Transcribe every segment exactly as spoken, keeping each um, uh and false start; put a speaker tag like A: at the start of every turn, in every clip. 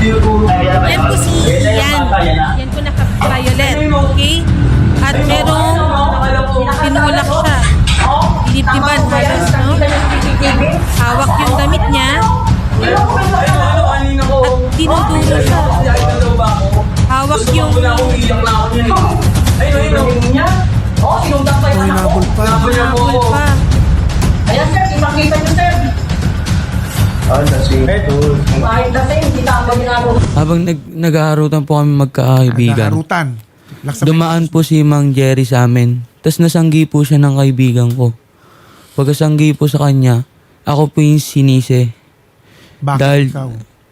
A: Yan po si Ian. Yan po naka-violet. Okay? At merong tinulak siya. Dinibdiban halos, no? Hawak yung damit niya. At dinudulo siya. Hawak yung...
B: Oh, hinabol pa.
A: Habol pa.
C: Ayan sir, ipakita nyo sir. Kahit na sir, hindi tama ginagawa.
D: Habang nag nag-aarutan po kami magkakaibigan,
B: Nagkarutan. Laksabay.
D: dumaan po si Mang Jerry sa amin. Tapos nasanggi po siya ng kaibigan ko. Pagkasanggi po sa kanya, ako po yung sinisi.
B: Bakit
D: Dahil-
B: ikaw?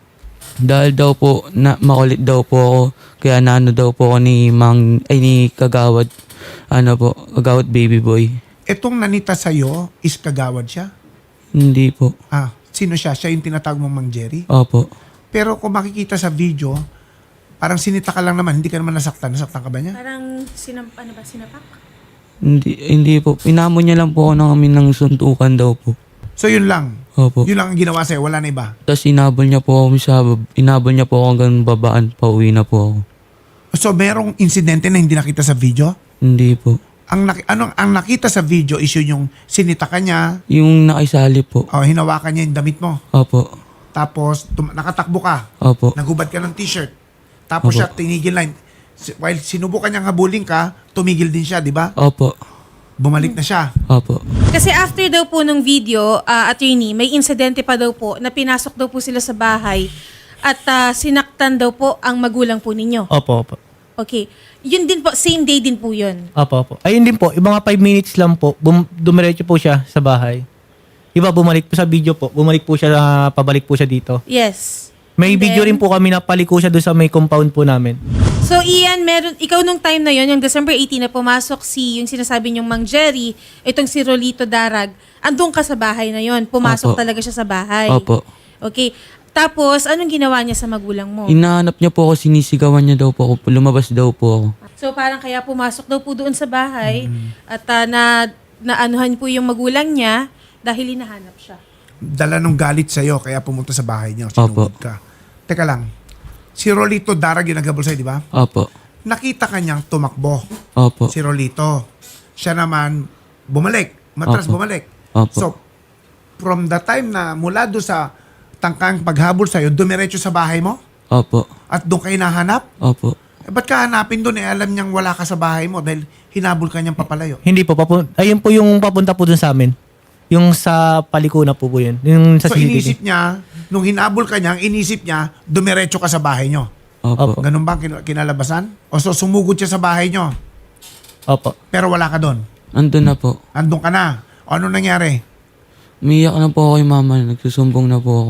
D: Dahil daw po, na, makulit daw po ako. Kaya naano daw po ako ni Mang, ay ni Kagawad, ano po, Kagawad baby boy.
B: Itong nanita sa'yo, is kagawad siya?
D: Hindi po.
B: Ah, sino siya? Siya yung tinatawag mong Mang Jerry?
D: Opo.
B: Pero kung makikita sa video, parang sinita ka lang naman, hindi ka naman nasaktan. Nasaktan ka ba niya?
A: Parang sinam, ano ba, sinapak?
D: Hindi, hindi po. Pinamo niya lang po ako ng kami ng suntukan daw po.
B: So yun lang.
D: Opo.
B: Yun lang ang ginawa sa'yo, wala na iba.
D: Tapos inabol niya po ako sa, inabol niya po ako hanggang babaan, pauwi na po ako.
B: So merong insidente na hindi nakita sa video?
D: Hindi po.
B: Ang, nak- anong, ang nakita sa video is yun yung sinita ka niya,
D: Yung nakisali po.
B: o hinawakan niya yung damit mo.
D: Opo.
B: Tapos tum- nakatakbo ka,
D: Opo.
B: nagubad ka ng t-shirt. Tapos
D: Opo.
B: siya tinigil lang. Si- While sinubukan niyang habulin ka, tumigil din siya, di ba?
D: Opo.
B: Bumalik na siya.
D: Opo.
A: Kasi after daw po nung video, ah, attorney, may insidente pa daw po na pinasok daw po sila sa bahay at ah, sinaktan daw po ang magulang po ninyo.
E: Opo, opo.
A: Okay. Yun din po, same day din po yun.
E: Opo, opo. Ayun din po, yung mga five minutes lang po, bum- dumiretso po siya sa bahay. Iba, bumalik po sa video po. Bumalik po siya, ah, pabalik po siya dito.
A: Yes.
E: May
A: And
E: video
A: then-
E: rin po kami na paliko siya doon sa may compound po namin.
A: So Ian, meron, ikaw nung time na yon, yung December eighteenth na pumasok si, yung sinasabi niyong Mang Jerry, itong si Rolito Darag, andun ka sa bahay na yon, pumasok
D: Opo.
A: talaga siya sa bahay.
D: Opo.
A: Okay. Tapos, anong ginawa niya sa magulang mo?
D: Inahanap niya po ako, sinisigawan niya daw po ako. Lumabas daw po ako.
A: So parang kaya pumasok daw po doon sa bahay at ah, na naanuhan po yung magulang niya dahil hinahanap siya.
B: Dala nung galit sa'yo, kaya pumunta sa bahay niya.
D: Opo.
B: Sinugod ka. Teka lang. Si Rolito Darag yung naghabol sa'yo, di ba?
D: Opo.
B: Nakita ka niyang tumakbo.
D: Opo.
B: Si Rolito. Siya naman, bumalik. Matras
D: Opo.
B: bumalik.
D: Opo.
B: So, from the time na mula doon sa tangkang paghabol sa'yo, dumiretso sa bahay mo?
D: Opo.
B: At doon kayo nahanap?
D: Opo.
B: Eh, ba't ka hanapin doon? Eh, alam niyang wala ka sa bahay mo dahil hinabol ka niyang papalayo.
E: Hindi po, papun- ayun po yung papunta po doon sa amin. Yung sa paliko na po po yun. Yung sa
B: So,
E: C C T V.
B: inisip niya, nung hinabol ka niya, ang inisip niya, dumiretso ka sa bahay niyo.
D: Opo.
E: Opo.
B: Ganun ba ang kin- kinalabasan? O so, sumugod siya sa bahay niyo,
E: Opo.
B: pero wala ka doon.
D: Andun na po.
B: Andun ka na. O, ano nangyari?
D: Umiyak na po ako kay mama. Nagsusumbong na po ako.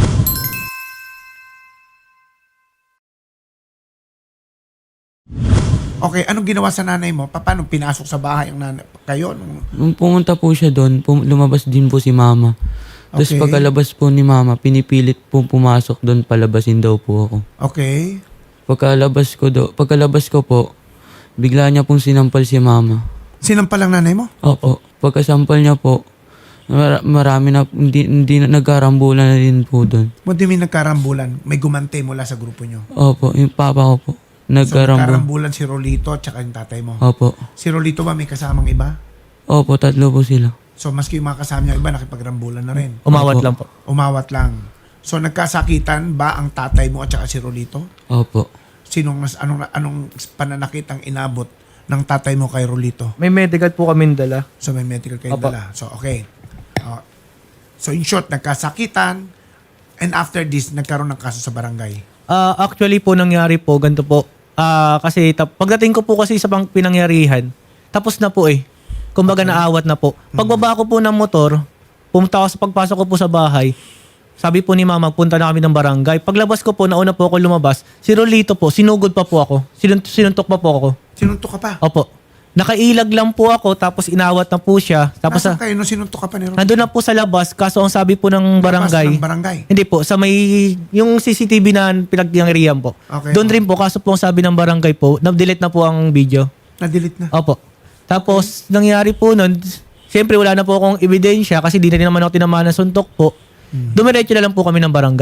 B: Okay, anong ginawa sa nanay mo? Pa- Paano pinasok sa bahay ang nanay? Kayo? Nung,
D: Nung pumunta po siya doon, pum- lumabas din po si mama. Tapos
B: Okay.
D: pagkalabas po ni mama, pinipilit po pumasok doon, palabasin daw po ako.
B: okay.
D: Pagkalabas ko do, pagkalabas ko po, bigla niya pong sinampal si mama.
B: Sinampal ang nanay mo?
D: Opo. Pagkasampal niya po, mar- marami na, hindi, hindi na nagkarambulan na din po doon.
B: What do you mean nagkarambulan? May gumante mula sa grupo nyo.
D: Opo, yung papa ko po.
B: So,
D: Nagkarambul.
B: nagkarambulan si Rolito at saka yung tatay mo.
D: Opo.
B: Si Rolito ba may kasamang iba?
D: Opo, tatlo po sila.
B: So, maski yung mga kasama niya iba, nakipagrambulan na rin.
E: Umawat
D: Opo.
E: lang po.
B: Umawat lang. So, nagkasakitan ba ang tatay mo at saka si Rolito?
D: Opo.
B: Sinong, nas- anong, anong pananakit ang inabot ng tatay mo kay Rolito?
E: May medical po kami dala.
B: So, may medical kayo
E: Opo.
B: dala. So, okay. Uh, so, in short, nagkasakitan and after this, nagkaroon ng kaso sa barangay.
E: Ah, actually po nangyari po ganito po. Ah, kasi tap- pagdating ko po kasi sa pang pinangyarihan, tapos na po eh. Kumbaga naawat na po. Pagbaba ko po ng motor, pumunta ako sa pagpasok ko po sa bahay. Sabi po ni mama, punta na kami ng barangay. Paglabas ko po, nauna po ako lumabas. Si Rolito po, sinugod pa po ako. Sinunt- sinuntok pa po ako.
B: Sinuntok ka pa?
E: Opo. Nakailag lang po ako, tapos inawat na po siya. Tapos
B: Nasaan
E: sa,
B: kayo nung sinuntok ka pa ni Rolito?
E: nandun na po sa labas, kaso ang sabi po ng barangay,
B: Labas ng barangay.
E: hindi po, sa may, yung C C T V na pinagyangrihan po.
B: Okay.
E: Doon rin po, kaso po ang sabi ng barangay po, na-delete na po ang video.
B: Na-delete na.
E: Opo. Tapos, nangyari po nun, siyempre wala na po akong ebidensya kasi di na rin naman ako tinamaan ng suntok po. Dumiretso na lang po kami ng barangay.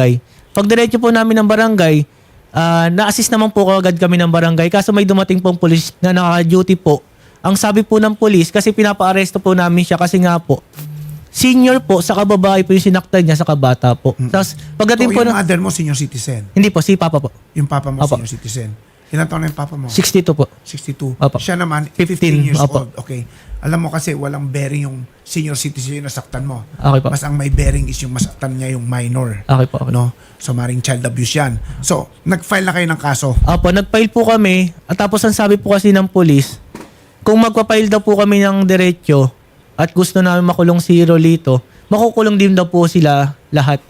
E: Pag diretso po namin ng barangay, ah, na-assist naman po agad kami ng barangay. Kaso may dumating pong pulis na naka-duty po. Ang sabi po ng pulis, kasi pinapa-aresto po namin siya kasi nga po, senior po, sa kababae po yung sinaktan niya sa kabata po. Tapos pagdating
B: So,
E: po
B: yung
E: ng...
B: mother mo, senior citizen.
E: Hindi po, si Papa po.
B: Yung papa mo,
E: Opo.
B: senior citizen. Ilan taon na yung papa mo?
E: sixty-two po.
B: sixty-two.
E: Opo.
B: Siya naman,
E: fifteen.
B: fifteen years
E: Opo.
B: old. Okay. Alam mo kasi walang bearing yung senior citizen yung nasaktan mo.
E: Okay po.
B: Mas ang may bearing is yung masaktan niya yung minor.
E: Okay po. Okay.
B: No? So, maring child abuse yan. So, nag-file na kayo ng kaso.
E: Apo, nag-file po kami. At tapos ang sabi po kasi ng police, kung magpa-file daw po kami ng diretsyo at gusto namin makulong si Rolito, makukulong din daw po sila lahat.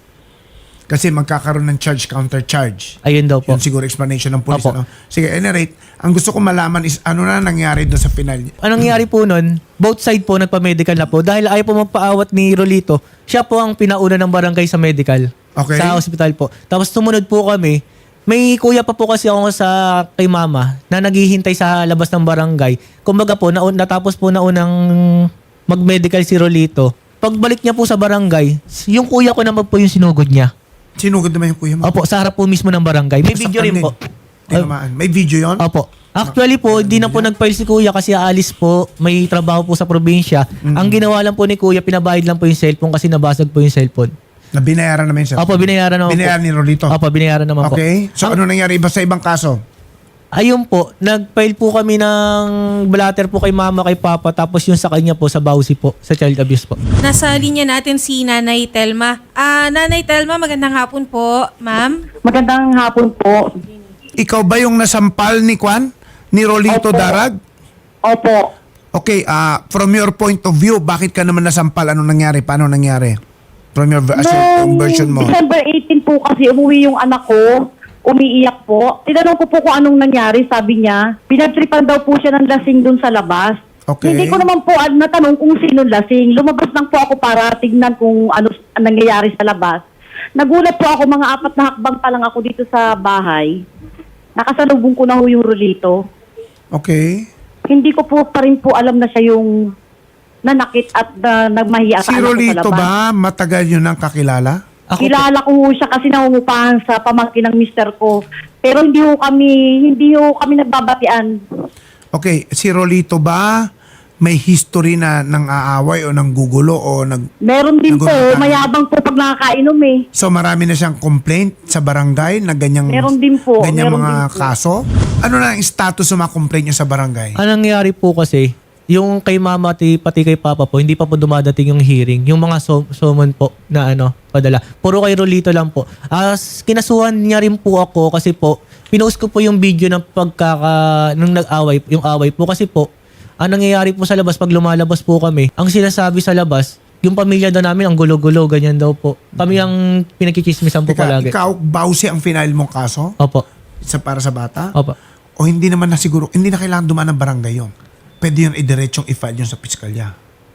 B: Kasi magkakaroon ng charge counter charge.
E: Ayun daw po.
B: Yun siguro explanation ng police.
E: Opo.
B: Ano? Sige, any rate, ang gusto ko malaman is ano na nangyari doon sa final.
E: Anong nangyari po nun, both side po nagpa-medical na po. Dahil ayaw po magpaawat ni Rolito, siya po ang pinauna ng barangay sa medical.
B: Okay.
E: Sa hospital po. Tapos sumunod po kami. May kuya pa po kasi ako sa kay mama na naghihintay sa labas ng barangay. Kumbaga po, naun, natapos po na unang mag-medical si Rolito. Pagbalik niya po sa barangay, yung kuya ko naman po yung sinugod niya.
B: Sinugod naman yung kuya mo.
E: Opo, sa harap po mismo ng barangay. May video rin po.
B: Tinamaan. May video yon?
E: Opo. Actually po, hindi na po nag-file si kuya kasi aalis po. May trabaho po sa probinsya. Ang ginawa lang po ni kuya, pinabayad lang po yung cellphone kasi nabasag po yung cellphone.
B: Na binayaran naman yung
E: Opo, binayaran naman
B: Binayaran
E: po.
B: ni Rolito.
E: Opo, binayaran naman po.
B: Okay. So, ano nangyari iba sa ibang kaso?
E: Ayun po, nag-file po kami ng blatter po kay mama, kay papa, tapos yung sa kanya po, sa Bausi po, sa child abuse po.
A: Nasa linya natin si Nanay Telma. Ah, Nanay Telma, magandang hapon po, ma'am.
C: Magandang hapon po.
B: Ikaw ba yung nasampal ni Kwan? Ni Rolito
C: Opo.
B: Darag?
C: Opo.
B: Okay, ah from your point of view, bakit ka naman nasampal? Anong nangyari? Paano nangyari? From your as your- yung version mo.
C: December eighteenth po kasi umuwi yung anak ko. Umiiyak po. Tinanong ko po kung anong nangyari. Sabi niya, pinagtripan daw po siya ng lasing dun sa labas.
B: Okay.
C: Hindi ko naman po ah, natanong kung sino lasing. Lumabas lang po ako para tignan kung ano ang nangyayari sa labas. Nagulat po ako, mga apat na hakbang pa lang ako dito sa bahay. Nakasalubong ko na ho yung Rolito.
B: Okay.
C: Hindi ko po pa rin po alam na siya yung nanakit at uh, nagmahiya
B: Si
C: sa anak ko sa
B: Rolito
C: labas.
B: ba matagal yun ang kakilala?
E: Ako po,
C: Kilala ko ho siya kasi nangungupahan sa pamangkin ng mister ko. Pero hindi ho kami, hindi ho kami nagbabatian.
B: Okay, si Rolito ba may history na ng aaway o ng gugulo o nag...
C: Meron din po,
B: Nagugutan.
C: mayabang po pag nakakainom eh.
B: So marami na siyang complaint sa barangay na ganyang...
C: Meron din po,
B: Ganyang
C: meron
B: mga
C: din po.
B: kaso? Ano na ang status ng mga complaint niyo sa barangay?
E: anong nangyari po kasi, yung kay mama at pati kay papa po, hindi pa po dumadating yung hearing. Yung mga so- summon po na ano, padala. Puro kay Rolito lang po. As kinasuhan niya rin po ako kasi po, pinost ko po yung video ng pagkaka, nung nag-away, yung away po kasi po, ang nangyayari po sa labas pag lumalabas po kami, ang sinasabi sa labas, yung pamilya daw namin, ang gulo-gulo, ganyan daw po. Kami ang pinagkikismisan po
B: Teka,
E: palagi.
B: ikaw, Bausi ang final mong kaso?
E: Opo.
B: Sa, para sa bata?
E: Opo.
B: O hindi naman na siguro, hindi na kailangan dumaan ng barangay yun. Pwede yun idiretsong i-file yun sa piskalya.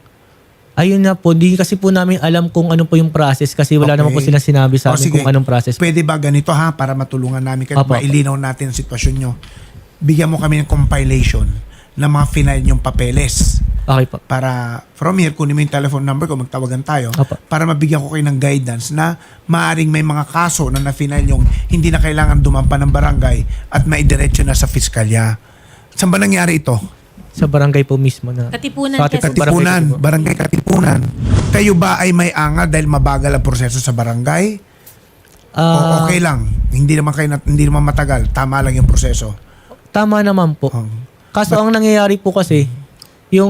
E: Ayun na po, di kasi po namin alam kung ano po yung process kasi wala
B: Okay.
E: naman po silang sinabi sa
B: O,
E: amin
B: sige.
E: kung anong process.
B: Pwede ba ganito ha, para matulungan namin kayo,
E: Opo.
B: mailinaw natin ang sitwasyon nyo. Bigyan mo kami ng compilation ng mga final nyong papeles.
E: Okay po.
B: Para from here, kunin mo yung telephone number ko, magtawagan tayo.
E: Opo.
B: Para mabigyan ko kayo ng guidance na maaring may mga kaso na na-final yung hindi na kailangan dumampa ng barangay at maidiretso na sa fiskalya. Saan ba nangyari ito?
E: Sa barangay po mismo na.
A: Katipunan,
E: Sa Katipunan.
A: Quezon.
B: Katipunan,
E: Barangay
B: barangay Katipunan. Kayo ba ay may anga dahil mabagal ang proseso sa barangay? o
E: Ah,
B: okay lang? Hindi naman kayo, nat- hindi naman matagal. Tama lang yung proseso.
E: Tama naman po.
B: Oh.
E: Kaso ang nangyayari po kasi, yung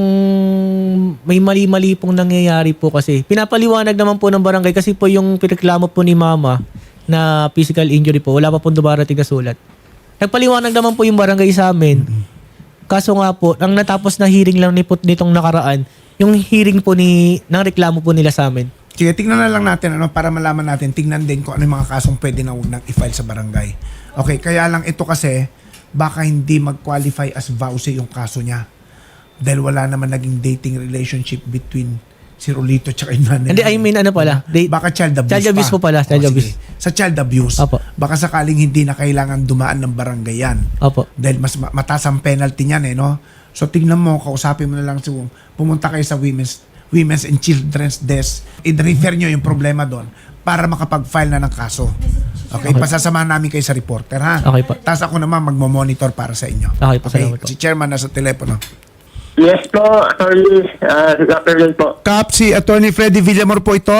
E: may mali-mali pong nangyayari po kasi. Pinapaliwanag naman po ng barangay kasi po yung pinareklamo po ni mama na physical injury po, wala pa pong dumarating na sulat. Nagpaliwanag naman po yung barangay sa amin. Kaso nga po, ang natapos na hearing lang ni nitong nakaraan, yung hearing po ni, ng reklamo po nila sa amin.
B: Sige, tingnan na lang natin ano, para malaman natin, tingnan din kung ano yung mga kasong pwede na huwag nang i-file sa barangay. Okay, kaya lang ito kasi, baka hindi mag-qualify as vowsy yung kaso niya. Dahil wala naman naging dating relationship between si Rolito at yung nanay.
E: Hindi, I mean ano pala, they,
B: Baka child abuse
E: Child abuse
B: pa.
E: po pala, child
B: O, sige.
E: abuse.
B: Sa child abuse,
E: Apo.
B: baka sakaling hindi na kailangan dumaan ng barangay yan.
E: opo.
B: Dahil mas ma- mataas ang penalty niyan eh, no? So tingnan mo, kausapin mo na lang, so, pumunta kayo sa women's women's and children's desk, i-refer nyo yung problema doon para makapag-file na ng kaso. Okay, pasasamahan namin kayo sa reporter, ha?
E: Okay po.
B: Tapos ako naman magmo-monitor para sa inyo.
E: Okay po, salamat po.
B: Si chairman nasa telepono.
F: Yes po, attorney. Uh, good afternoon po.
B: Kap, si Attorney Freddy Villamor po ito.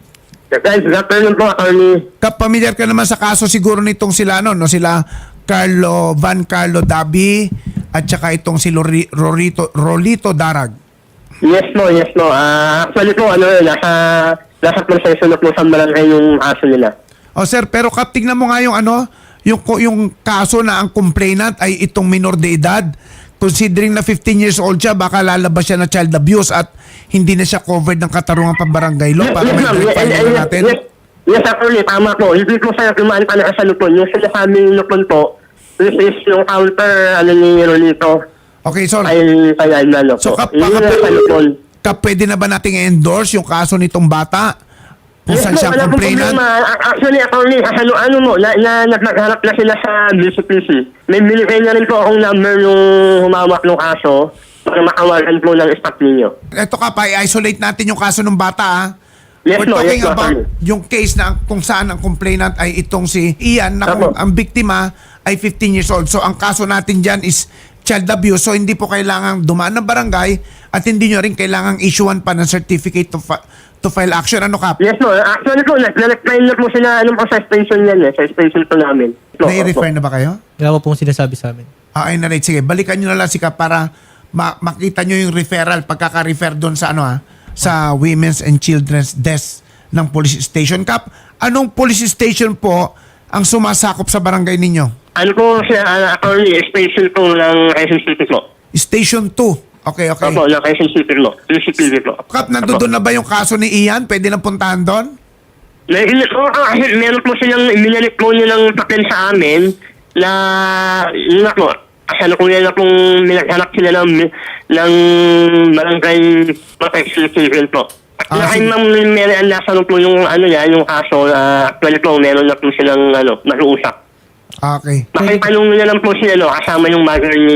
F: Guys, good afternoon po, attorney.
B: Kap, familiar ka naman sa kaso siguro nitong sila, no? no? Sila Carlo, Van Carlo Dabi at saka itong si Lori, Rolito, Rolito Darag.
F: Yes po, yes po. Uh, actually po, ano yun, nasa, nasa proseso na po sa barangay yung aso nila.
B: O sir, pero Kap, tignan mo nga yung ano, yung, yung kaso na ang complainant ay itong minor de edad. Considering na fifteen years old siya, baka lalabas siya na child abuse at hindi na siya covered ng katarungan pambarangay law para may
F: ma'am.
B: verify
F: Yes,
B: na
F: yes,
B: natin.
F: yes, yes, attorney, tama po. Hindi po sa kumaan pa na sa lupon. Yung sinasabing lupon po, this is yung counter, ano ni Rolito,
B: Okay, so,
F: ay kaya ano po.
B: so Kap,
F: Yun
B: baka
F: yung sa lupon.
B: Kap, pwede na ba nating endorse yung kaso nitong bata? Kung
F: Yes
B: saan
F: po,
B: siya
F: wala pong
B: complainant?
F: problema. A- Actually, attorney, ano, ano mo, na, na, na, nagharap na sila sa B C P C. May binigay na rin po akong number yung humawak ng kaso para makawagan po ng staff ninyo.
B: Ito Kap, i-isolate natin yung kaso ng bata, ha?
F: Yes,
B: We're
F: no,
B: talking
F: yes, no,
B: about
F: attorney.
B: yung case na kung saan ang complainant ay itong si Ian na kung
F: Apo.
B: ang biktima ay fifteen years old. So ang kaso natin dyan is child abuse. So hindi po kailangang dumaan ng barangay at hindi nyo rin kailangang issuean pa ng certificate to, fi- to file action. Ano Kap?
F: Yes, no. Actually po, nag-reply na po sila ano po sa station yan eh. Sa station po namin. No,
B: Nai-refer na ba kayo?
E: Wala po pong sinasabi sa amin.
B: Ah, ay na right. Sige, balikan nyo na lang si Kap para ma- makita nyo yung referral, pagkaka-refer doon sa ano ha, sa Women's and Children's Desk ng police station. Kap, anong police station po ang sumasakop sa barangay ninyo?
F: Ano po siya, uh, attorney, station po ng Quezon City po.
B: Station two. Okay, okay.
F: Opo, ng Quezon City po. Q C P V po.
B: Kap, nandoon na ba yung kaso ni Ian? Pwede na puntahan doon?
F: May, oh, ah, meron po silang, minalit po niya ng papel sa amin na, yun na po, kasalukuyan na pong minaghanap sila ng, ng barangay protection civil po. At
B: Ah,
F: ah,
B: sige.
F: ma'am Mary Ann, nasa po yung ano yan, yung kaso na actually po, meron na po silang ano, nag-uusap.
B: Okay.
F: Makitanong nila lang po sila, no, kasama yung mother ni,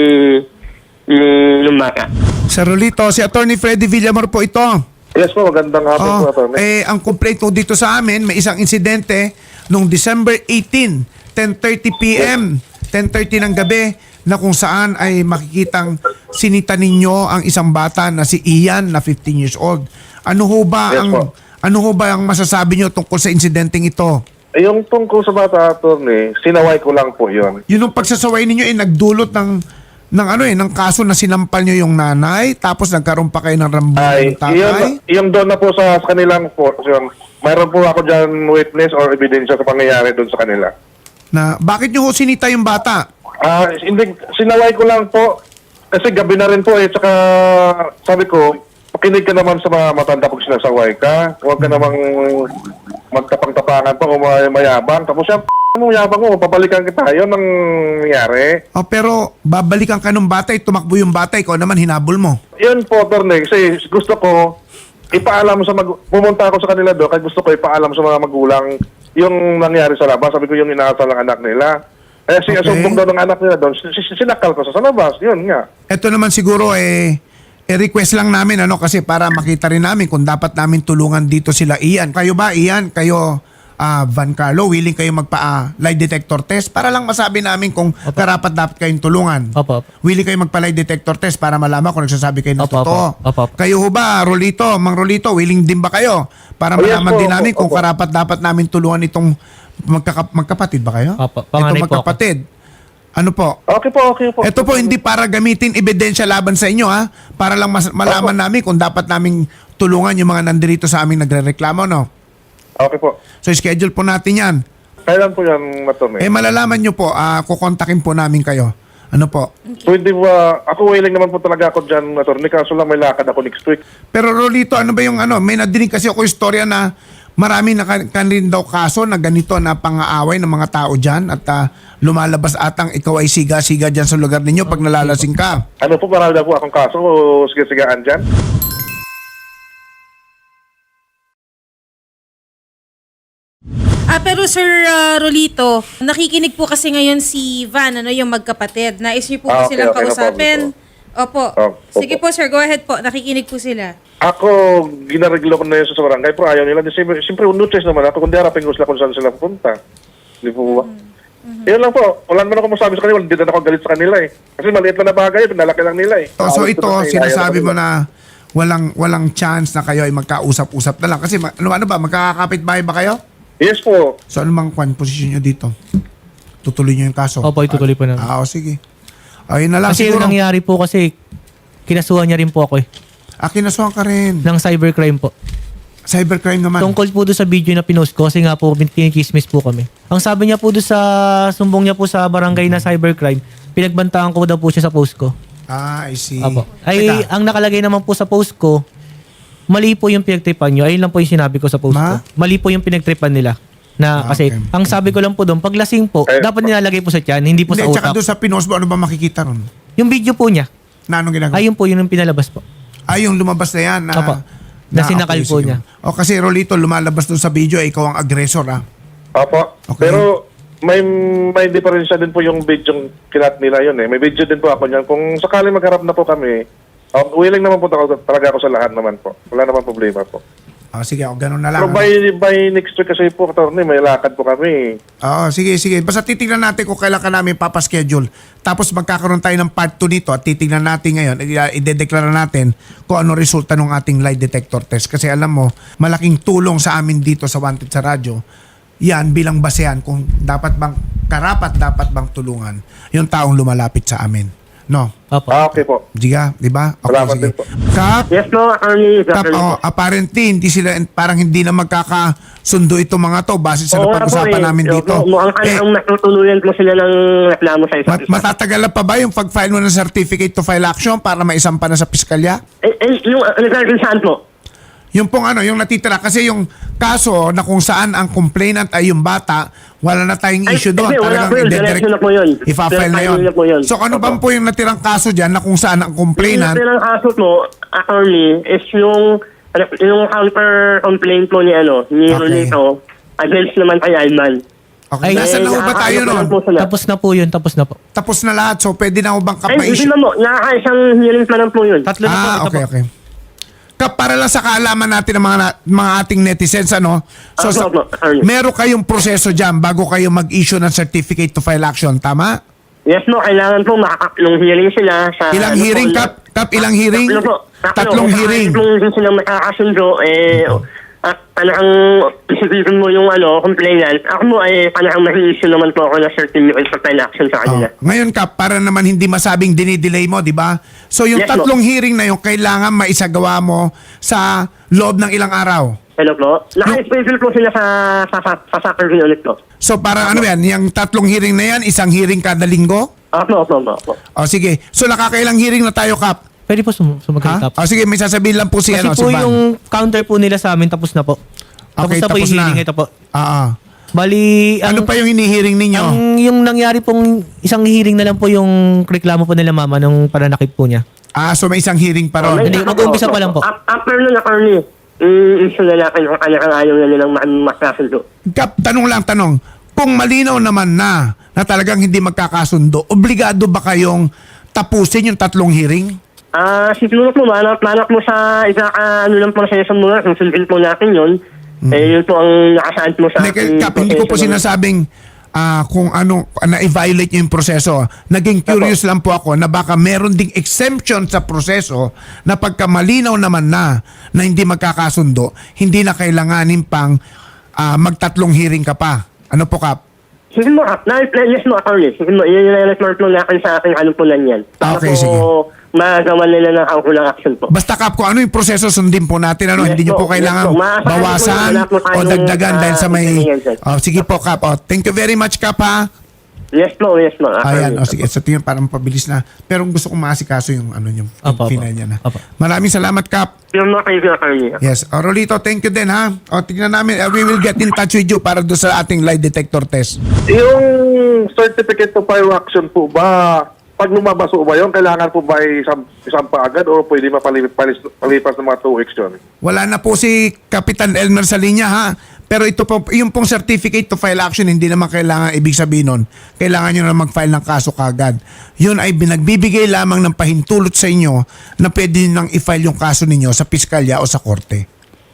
F: ni, ng bata.
B: Sir Rolito, si Attorney Freddy Villamor po ito.
G: Yes po, magandang hapon po,
B: Oh,
G: attorney.
B: eh, ang complaint po dito sa amin, may isang insidente noong December eighteenth, ten thirty p.m., ten thirty ng gabi, na kung saan ay makikitang sinita ninyo ang isang bata na si Ian na fifteen years old. Ano ho ba
G: Yes
B: ang
G: po.
B: ano ho ba ang masasabi nyo tungkol sa insidenteng ito?
G: Eh, yung tungkol sa bata, attorney, sinaway ko lang po yun.
B: Yun ang pagsasaway ninyo ay nagdulot ng ng ano eh, ng kaso na sinampal nyo yung nanay, tapos nagkaroon pa kayo ng rambulan
G: Ay,
B: ng tatay.
G: yung, yung doon na po sa, sa kanilang po, yun, mayroon po ako dyan witness or ebidensya sa pangyayari doon sa kanila.
B: Na bakit nyo ho sinita yung bata?
G: Ah, hindi, sinaway ko lang po, kasi gabi na rin po eh, tsaka sabi ko, pakinig ka naman sa mga matanda pag sinasaway ka, huwag ka namang magtapang-tapangan pa o may- mayabang, tapos yan, mo yabang mo, papalikan kita, yun ang nangyari.
B: Oh, pero babalikan ka ng bata, eh, tumakbo yung bata, ikaw naman hinabol mo.
G: Yun po, Torne, kasi gusto ko, ipaalam sa mag... Pumunta ako sa kanila doon, kaya gusto ko ipaalam sa mga magulang yung nangyari sa labas. Sabi ko yung inaasal ng anak nila. Eh,
B: Okay.
G: sinasumbong daw ng anak nila doon, sin- sin- sinakal ko sa, sa labas. Yun nga.
B: Ito naman siguro eh, eh request lang namin ano kasi para makita rin namin kung dapat namin tulungan dito sila Ian. Kayo ba Ian? Kayo ah, Van Carlo, willing kayo magpa ah, lie detector test para lang masabi namin kung karapat dapat kayong tulungan.
E: Opo, opo.
B: Willing kayo magpa lie detector test para malaman kung nagsasabi kayo ng
E: Opo,
B: totoo.
E: opo. Opo, opo.
B: Kayo ho ba, Rolito, Mang Rolito, willing din ba kayo para
G: Oh, yes
B: malaman
G: po,
B: din
G: opo,
B: namin kung
G: opo.
B: karapat dapat namin tulungan itong magkaka- magkapatid ba kayo?
E: Opo, panganay
B: Itong
E: po ako.
B: magkapatid. Ano po?
G: Okay po, okay po.
B: Ito po hindi para gamitin ebidensya laban sa inyo ha, para lang mas- malaman namin kung dapat naming tulungan yung mga nandirito sa aming nagrereklamo no.
G: Okay po.
B: So schedule po natin 'yan.
G: Kailan po yan, Torne?
B: Eh malalaman nyo po, ah kukontakin po namin kayo. Ano po?
G: Pwede ba, ako willing naman po talaga ako dyan, Torne, kaso lang may lakad ako next week.
B: Pero Rolito, ano ba yung ano? May nadinig kasi ako istorya na marami na kan kan rin daw kaso na ganito na pang-aaway ng mga tao dyan at ah, lumalabas atang ikaw ay siga-siga dyan sa lugar ninyo pag nalalasing ka.
G: Ano po, marami na po akong kaso o sige-sigaan dyan?
A: Ah, pero Sir ah, Rolito, nakikinig po kasi ngayon si Van, ano, yung magkapatid. Nais niyo po
G: Ah,
A: kasi
G: okay,
A: lang
G: okay, no
A: kausapin.
G: problem
A: Opo.
G: Oh, opo.
A: Sige po, sir. Go ahead po. Nakikinig po sila.
G: Ako, ginareglo ko na yun sa barangay, pero ayaw nila. Siyempre, siyempre no choice naman ako, kundi harapin ko sila kung saan sila pupunta. Di po ba? Yun lang po. Wala naman ako masabi sa kanila. Hindi na ako galit sa kanila eh. Kasi maliit lang na bagay, pinalaki lang nila eh.
B: Oh, so
G: Ayaw
B: ito,
G: ko na-
B: sinasabi
G: ayaw
B: mo
G: nila.
B: na walang walang chance na kayo ay magkausap-usap na lang. Kasi ma- ano, ano ba, magkakapit bahay ba kayo?
G: Yes po.
B: So ano mang kwan, posisyon nyo dito? Tutuloy nyo yung kaso?
E: Opo, itutuloy po namin.
B: Ah, o sige. Ayun na lang
E: Kasi yung
B: siguro.
E: nangyari po kasi, kinasuhan niya rin po ako eh.
B: Ah, kinasuhan ka rin.
E: Ng cybercrime po.
B: Cybercrime naman.
E: Tungkol po doon sa video na pinost ko kasi nga po kinikismis po kami. Ang sabi niya po doon sa sumbong niya po sa barangay na cybercrime, pinagbantaan ko daw po siya sa post ko.
B: Ah, I see.
E: Apo. Ay,
B: Teka,
E: ang nakalagay naman po sa post ko, mali po yung pinagtripan nyo. Ayun lang po yung sinabi ko sa post
B: Ma?
E: ko. Mali po yung pinagtripan nila. Na
B: Ah,
E: kasi,
B: okay.
E: ang sabi ko lang po doon, pag lasing po,
G: Eh,
E: dapat nilalagay po sa tiyan, hindi po
B: hindi,
E: sa
B: tsaka
E: utak.
B: doon sa pinost mo, ano ba makikita ron?
E: Yung video po niya,
B: Na anong ginagawa?
E: ayun po yun yung pinalabas po.
B: Ay, yung lumabas na yan. Na,
E: Opo. Na sinakal po
B: sige.
E: niya.
B: O kasi Rolito, lumalabas doon sa video, eh, ikaw ang aggressor ah.
G: Opo.
B: Okay.
G: Pero may may diferensya din po yung video kinat nila yun eh. May video din po ako niyan. Kung sakali magharap na po kami, um, willing naman po talaga, talaga ako sa lahat naman po. Wala naman problema po.
B: O sige, o ganun na lang.
G: Pero
B: ano?
G: by, by next week kasi po, attorney, may lakad po kami.
B: Oo, sige, sige. Basta titingnan natin kung kailan ka namin papaschedule. Tapos magkakaroon tayo ng part two nito at titingnan natin ngayon, i- idedeklara natin kung ano resulta ng ating lie detector test. Kasi alam mo, malaking tulong sa amin dito sa Wanted sa Radyo, yan bilang basehan kung dapat bang, karapat dapat bang tulungan yung taong lumalapit sa amin. No?
E: Opo.
B: Ah,
G: Ah, okay po.
B: Diga, di ba? Okay,
G: Salamat
B: sige.
G: din po.
B: Kap,
F: Yes po, attorney.
B: Kap, oh, apparently, hindi sila, parang hindi na magkakasundo itong mga to base sa
F: Oo nga po
B: napag-usapan
F: eh.
B: namin
F: Opo,
B: dito.
F: Mukhang
B: Eh,
F: kailangang matutuluyan po sila ng reklamo sa isa't
B: mat-
F: isa.
B: matatagalan pa ba yung pag-file mo ng certificate to file action para maisampa na sa piskalya?
F: Eh, eh, yung uh, regarding saan po?
B: Yung pong ano, yung natitira. Kasi yung kaso na kung saan ang complainant ay yung bata, wala na tayong
F: Ay,
B: issue doon.
F: hindi, wala po yun.
B: ide-direct-
F: Diretso na po yun.
B: Ipa-file na
F: Diretso
B: yun.
F: na po yun.
B: So ano bang po yung natirang kaso dyan na kung saan ang
F: Yung
B: complainant,
F: ng kaso po, attorney, is yung yung counter complaint po ni ano, ni
B: Okay.
F: Rolito against naman kay Ayman.
B: okay,
E: Ay,
B: nasa na ho ba tayo
F: nakakaano
B: nun?
F: po sila.
E: Tapos na po yun, tapos na po.
B: Tapos na lahat. So pwede na ho bang
F: Ay, hindi
B: kapa-issue?
F: na mo. Nakakaisang hearing pa lang po yun.
E: Tatlo na po.
B: Ah,
E: ito
B: okay,
E: po.
B: okay. Kap, para lang sa kaalaman natin ng mga, na- mga ating netizens, ano? So,
F: Opo,
B: sa,
F: opo, Arnie.
B: meron kayong proseso dyan bago kayo mag-issue ng certificate to file action, tama?
F: Yes mo, kailangan po makakatlong hearing sila sa...
B: Ilang
F: ano
B: hearing,
F: po,
B: Kap? Kap, ilang hearing?
F: Tatlo po. Tatlo.
B: Tatlong
F: Kung
B: hearing.
F: Kung sila makakasundo, eh... At panahang isipin mo yung ano, complainant, ako mo ay panahang mahi-issue naman po ako na certificate of file action sa kanila.
B: Oh. Ngayon, Kap, para naman hindi masabing dinidelay mo, di ba? So, yung
F: Yes,
B: tatlong hearing na yung kailangan maisagawa mo sa loob ng ilang araw.
F: Hello po? Naka-schedule po sila sa sa, sa, sa soccer unit ko.
B: So, para ano yan? Yung tatlong hearing na yan, isang hearing kada linggo?
F: Opo, opo, opo, opo.
B: O, sige. So, nakakailang hearing na tayo, Kap?
E: Pwede po sum- sumagot.
B: Ha? O, sige, may sasabihin lang po si,
E: Kasi
B: ano, si
E: po
B: Van.
E: yung counter po nila sa amin, tapos na po. Tapos
B: Okay,
E: na po
B: tapos
E: yung
B: na.
E: hearing, ito po.
B: Ah, ah.
E: Bali,
B: Ano
E: ang,
B: pa yung hinihiring ninyo?
E: ang yung nangyari pong isang hearing na lang po yung reklamo po nila mama nung pananakit po niya.
B: Ah, so may isang hearing pa ron.
F: May-
E: Hindi, mag-uumpisa pa lang po.
F: Af- After nun, attorney, i-issue na natin kung kanya kang ayaw na nilang ma- makasundo.
B: Kap, tanong lang, tanong. Kung malinaw naman na na talagang hindi magkakasundo, obligado ba kayong tapusin yung tatlong hearing?
F: Ah, siguro po, manap, manap mo sa isa, ah, ano lang po sa isang mga, kung sundin po natin yun, eh, yun po ang nakasaad mo sa
B: Hindi,
F: ating
B: Kap, hindi ko po
F: proseso.
B: sinasabing ah, kung ano, na-violate yung proseso. Naging curious lang po ako na baka meron ding exemption sa proseso na pagka malinaw naman na na hindi magkakasundo, hindi na kailanganin pang ah, magtatlong hearing ka pa. Ano po, Kap?
F: Sige mo, ah, na, na, yes mo, attorney. Sige mo, i-report mo natin sa ating ano po lang yan. Para
B: Okay,
F: po
B: sige.
F: magawa nila ng kaukulang action po.
B: Basta, Kap, kung ano yung proseso, sundin po natin. Ano?
F: Yes
B: Hindi nyo
F: po,
B: po kailangan
F: yes po. Maasahan
B: bawasan
F: po, wala po
B: o
F: tayong,
B: dagdagan
F: ah,
B: dahil sa may...
F: inconvenience.
B: Oh, sige po, Kap. Oh, thank you very much, Kap, ha?
F: Yes po, yes mo.
B: Ayan,
F: attorney.
B: o sige, sa tingin parang pabilis na. Pero gusto kong maasikaso yung ano yung
E: Apo, apo.
B: final niya na.
E: Apo.
B: Maraming salamat, Kap.
F: Yung mga kayo, attorney.
B: Yes. O, Rolito, thank you din, ha? O, tingnan namin. Uh, we will get in touch with you para doon sa ating lie detector test.
G: Yung certificate to file action po ba, pag lumabas po ba yun, kailangan po ba isang, isang pa agad o pwede mapalipas palipas ng mga two weeks yun?
B: Wala na po si Kapitan Elmer sa linya, ha? Pero ito po, yung pong certificate to file action, hindi naman kailangan, ibig sabihin nun, kailangan nyo na mag-file ng kaso kagad. Yun ay binagbibigay lamang ng pahintulot sa inyo na pwede nang i-file yung kaso ninyo sa piskalya o sa korte.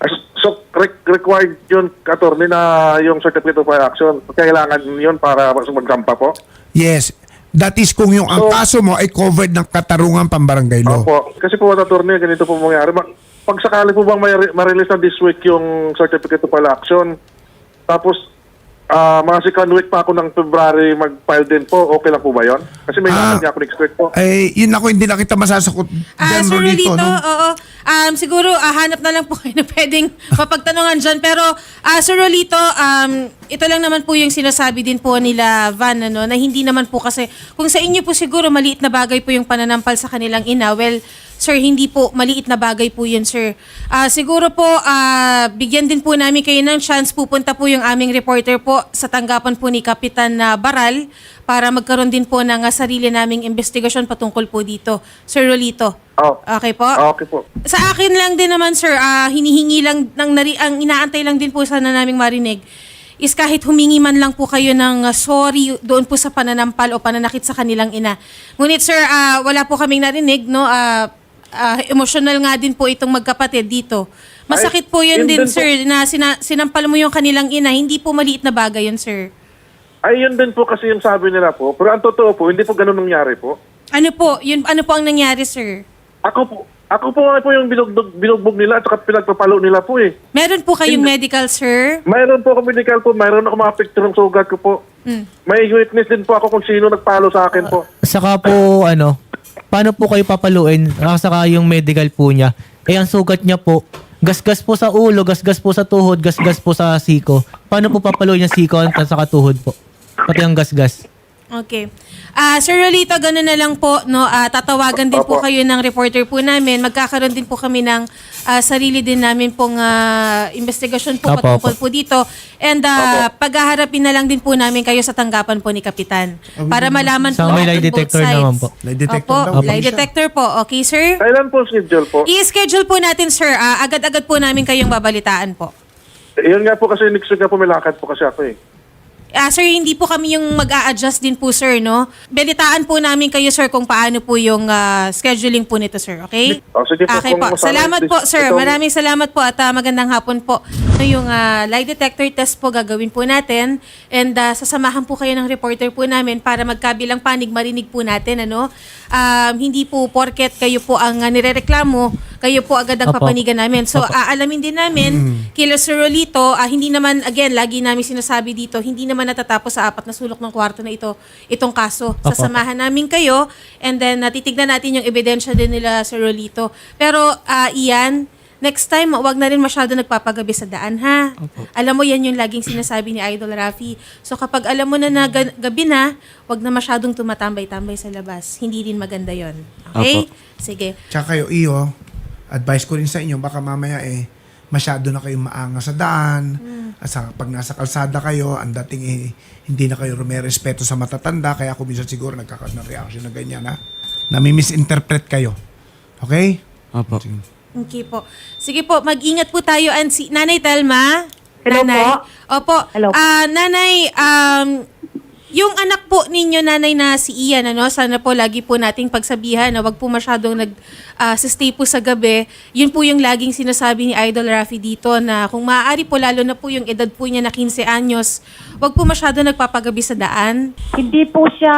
G: So, re- required yun, attorney, na yung certificate of action. Kailangan yun para magsampa po?
B: Yes. That is kung yung ang
G: So-
B: kaso mo ay covered ng katarungan pambarangay law.
G: Opo. Kasi po, attorney, ganito po mangyari. Ma- Pag sakali po bang may ma-release na this week yung certificate of action, tapos ah, mga second week pa ako ng February mag-file din po, okay lang po ba yun? Kasi may
B: Ah.
G: lakad niya ako next week po.
B: Ay, yun ako, hindi na kita masasakot
A: Ah,
B: dyan,
A: Sir
B: Rolito,
A: Rolito,
B: no?
A: oo. Um, siguro, ah, hanap na lang po kayo na pwedeng mapagtanungan dyan. Pero, ah, Sir Rolito, um, ito lang naman po yung sinasabi din po nila Van, ano, na hindi naman po kasi, kung sa inyo po siguro maliit na bagay po yung pananampal sa kanilang ina, well, sir, hindi po maliit na bagay po yun, sir. Ah, siguro po, ah, bigyan din po namin kayo ng chance, pupunta po yung aming reporter po sa tanggapan po ni Kapitan na Baral para magkaroon din po ng ah, sarili naming investigasyon patungkol po dito. Sir Rolito.
G: Oh.
A: Okay po?
G: Okay po.
A: Sa akin lang din naman, sir, ah, hinihingi lang, ng nari, ang inaantay lang din po sana naming marinig is kahit humingi man lang po kayo ng uh, sorry doon po sa pananampal o pananakit sa kanilang ina. Ngunit, sir, ah, wala po kaming narinig, no? Ah, ah, emotional nga din po itong magkapatid dito. Masakit po yun
G: Ay, yun
A: din,
G: din po.
A: sir, na sina, sinampal mo yung kanilang ina. Hindi po maliit na bagay yun, sir.
G: Ay, yun din po kasi yung sabi nila po. Pero ang totoo po, hindi po ganun nangyari po.
A: Ano po? Yun, ano po ang nangyari, sir?
G: Ako po, ako po nga po yung binugbog, binugbog nila at saka pinagpapalo nila po eh.
A: Meron po kayong medical, sir?
G: Mayroon po ako medical po, mayroon ako mga picture ng sugat ko po.
A: Mm.
G: May witness din po ako kung sino nagpalo sa akin po.
E: Saka po, ano, paano po kayo papaluin? Ah, Saka yung medical po niya. Eh, ang sugat niya po, gasgas po sa ulo, gasgas po sa tuhod, gasgas po sa siko. Paano po papaluin yung siko at saka tuhod po? Pati ang gasgas.
A: Okay. Ah, Sir Rolito, gano'n na lang po, no? Ah, tatawagan din po
G: Opo.
A: kayo ng reporter po namin. Magkakaroon din po kami ng ah, sarili din namin pong ah, investigasyon po
E: Opo,
A: patungkol
E: opo.
A: po dito. And ah, paghaharapin na lang din po namin kayo sa tanggapan po ni Kapitan. Para malaman
E: Saka
A: po
E: may lie
A: natin both
E: detector
A: sides.
E: naman po.
B: Lie detector
A: Opo,
B: daw,
A: lie
B: siya.
A: detector po. Okay, sir?
G: Kailan po schedule po?
A: I-schedule po natin, sir. Ah, agad-agad po namin kayong babalitaan po.
G: Eh, Yun nga po kasi next week nga po may lakad po kasi ako eh.
A: Ah, sir, hindi po kami yung mag-a-adjust din po, sir, no? Balitaan po namin kayo, sir, kung paano po yung ah, scheduling po nito, sir, okay?
G: Oh, sige po,
A: Okay
G: kung
A: po.
G: masama
A: Salamat
G: yung
A: po,
G: dis-
A: sir.
G: itong-
A: Maraming salamat po at ah, magandang hapon po. Yung ah, lie detector test po gagawin po natin and ah, sasamahan po kayo ng reporter po namin para magkabilang panig marinig po natin, ano? Um, hindi po porket kayo po ang ah, nirereklamo, kayo po agad ang
E: Opo.
A: papanigan namin. So,
E: Opo.
A: aalamin din namin, kila Sir Rolito, ah, hindi naman, again, lagi namin sinasabi dito, hindi naman natatapos sa apat na sulok ng kwarto na ito, itong kaso.
E: Opo.
A: Sasamahan namin kayo and then natitignan natin yung ebidensya din nila Sir Rolito. Pero, ah, Ian, next time, wag na rin masyado nagpapagabi sa daan, ha? Alam mo, yan yung laging sinasabi ni Idol Rafi. So, kapag alam mo na na ga- gabi na, wag na masyadong tumatambay-tambay sa labas. Hindi rin maganda yon. Okay?
D: Opo.
A: Sige.
B: Tsaka kayo, iyo, advice ko rin sa inyo, baka mamaya eh, masyado na kayong maanga sa daan. At sa, pag nasa kalsada kayo, ang dating eh, hindi na kayo rumerespeto sa matatanda, kaya kung minsan siguro nagkakaroon ng reaction na ganyan, ha? Nami-misinterpret kayo. Okay?
D: Opo.
A: Okay po. Sige po, mag-ingat po tayo. And si Nanay Telma.
C: Hello
A: Nanay.
C: po.
A: Opo.
C: Hello.
A: Ah, Nanay, um, yung anak po ninyo, Nanay, na si Ian, ano, sana po lagi po nating pagsabihan na wag po masyadong nag ah, stay po sa gabi. Yun po yung laging sinasabi ni Idol Rafi dito na kung maaari po, lalo na po yung edad po niya na quince anyos, wag po masyado nagpapagabi sa daan.
C: Hindi po siya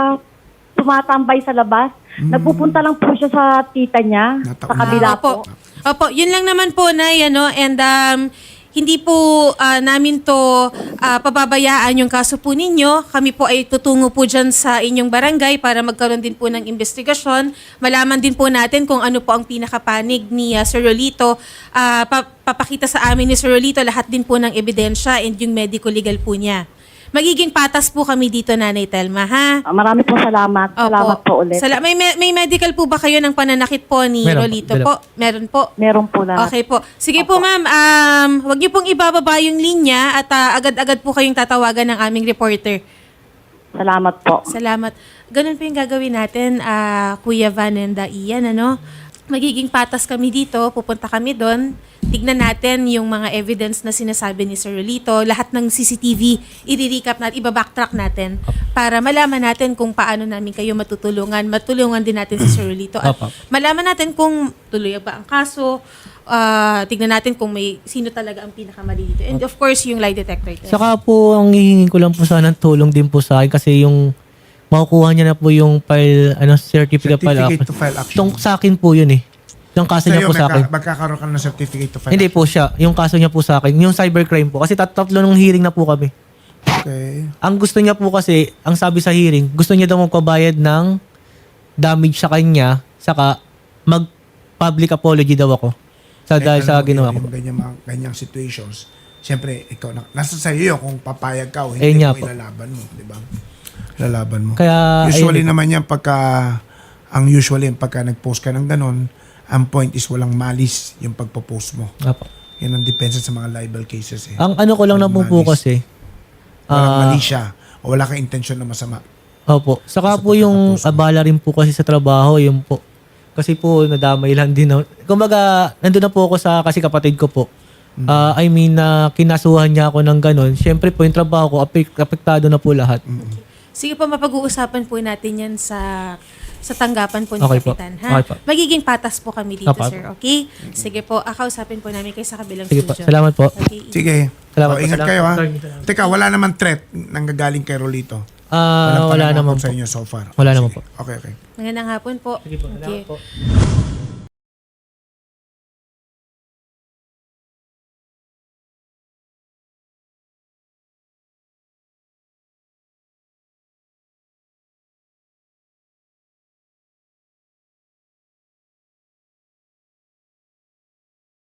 C: tumatambay sa labas. Nagpupunta lang po siya sa tita niya, sa
B: Nataon.
C: kabila
A: Ah,
C: po.
A: opo. Opo, yun lang naman po, Nay, ano, and um, hindi po ah, namin to ah, pababayaan yung kaso po ninyo. Kami po ay tutungo po dyan sa inyong barangay para magkaroon din po ng investigasyon. Malaman din po natin kung ano po ang pinakapanig ni ah, Sir Rolito. Ah, pa- papakita sa amin ni Sir Rolito lahat din po ng ebidensya and yung medico-legal po niya. Magiging patas po kami dito, Nanay Telma, ha?
C: Ah, Marami po salamat. Salamat po ulit.
A: Sala- may, me- may medical po ba kayo ng pananakit po ni
E: Meron po,
A: Rolito
E: meron
A: po? Meron po.
C: Meron po lahat.
A: Okay po. Sige po, ma'am. Um, wag niyo pong ibababa yung linya at ah, agad-agad po kayong tatawagan ng aming reporter.
C: Salamat po.
A: Salamat. Ganun po yung gagawin natin, ah, Kuya Van and ah, Ian, ano? magiging patas kami dito, pupunta kami doon, tignan natin yung mga evidence na sinasabi ni Sir Rolito, lahat ng C C T V, i-recap natin, iba-backtrack natin para malaman natin kung paano namin kayo matutulungan, matulungan din natin si Sir Rolito at
E: Opo.
A: malaman natin kung tuloy ba ang kaso, ah, tignan natin kung may sino talaga ang pinakamali dito. And of course, yung lie detector test.
E: Saka po, ang hihingin ko lang po sana ng tulong din po sa akin kasi yung makukuha niya na po yung file, ano, certificate,
B: Certificate
E: file
B: to file action.
E: Itong sa akin po yun eh. Yung kaso niya
B: Sa'yo,
E: po sa akin.
B: magka- magkakaroon ka ng certificate to file
E: Hindi po siya. Yung kaso niya po sa akin. Yung cybercrime po. Kasi tat- tatlo nung hearing na po kami.
B: Okay.
E: Ang gusto niya po kasi, ang sabi sa hearing, gusto niya daw magpabayad ng damage sa kanya, saka mag-public apology daw ako. Sa, dahil
B: Eh,
E: sa
B: alam mo,
E: ginawa
B: yung,
E: ko.
B: yung ganyang, mga, ganyang situations, siyempre, ikaw na, nasa sa'yo yun kung papayag ka o
E: Eh,
B: hindi
E: nga
B: mo
E: po.
B: ilalaban mo, di ba? Ilalaban mo.
E: Kaya,
B: Usually
E: ayun,
B: naman yan pagka, ang usually pagka nag-post ka ng ganon, ang point is walang malis yung pagpo-post mo.
E: Apo.
B: Yan ang depensa sa mga libel cases eh.
E: Ang ano ko lang na po po
B: Malis.
E: kasi,
B: Walang
E: ah,
B: mali siya o wala kang intensyon na masama.
E: opo. Saka
B: Sa
E: po yung
B: pagkakapos mo.
E: abala rin po kasi sa trabaho, yun po. Kasi po, nadamay lang din. na- Kumbaga, nandun na po ako sa, kasi kapatid ko po.
B: Mm.
E: Ah, I mean, na kinasuhan niya ako ng ganun. Siyempre po, yung trabaho ko, apek- apektado na po lahat.
A: Sige po, mapag-uusapan po natin yan sa sa tanggapan po ni
E: Okay po.
A: Kapitan. Ha?
E: Okay po.
A: Magiging patas po kami dito,
E: Opo,
A: sir. Okay? Sige po, akausapin po namin kayo sa kabilang
E: Sige po.
A: studio.
E: Salamat po.
A: Okay.
B: Sige.
E: Salamat
B: O,
E: po,
B: ingat
E: salamat
B: kayo
E: po,
B: ha.
E: attorney. Salamat.
B: Teka, wala naman threat nanggagaling kay Rolito.
E: Ah,
B: Walang
E: wala
B: pananakot
E: naman
B: sa
E: po.
B: inyo so far.
E: Wala naman
B: Sige.
E: po.
B: Okay, okay.
A: Magandang hapon po.
E: Sige po,
A: Okay.
E: salamat po.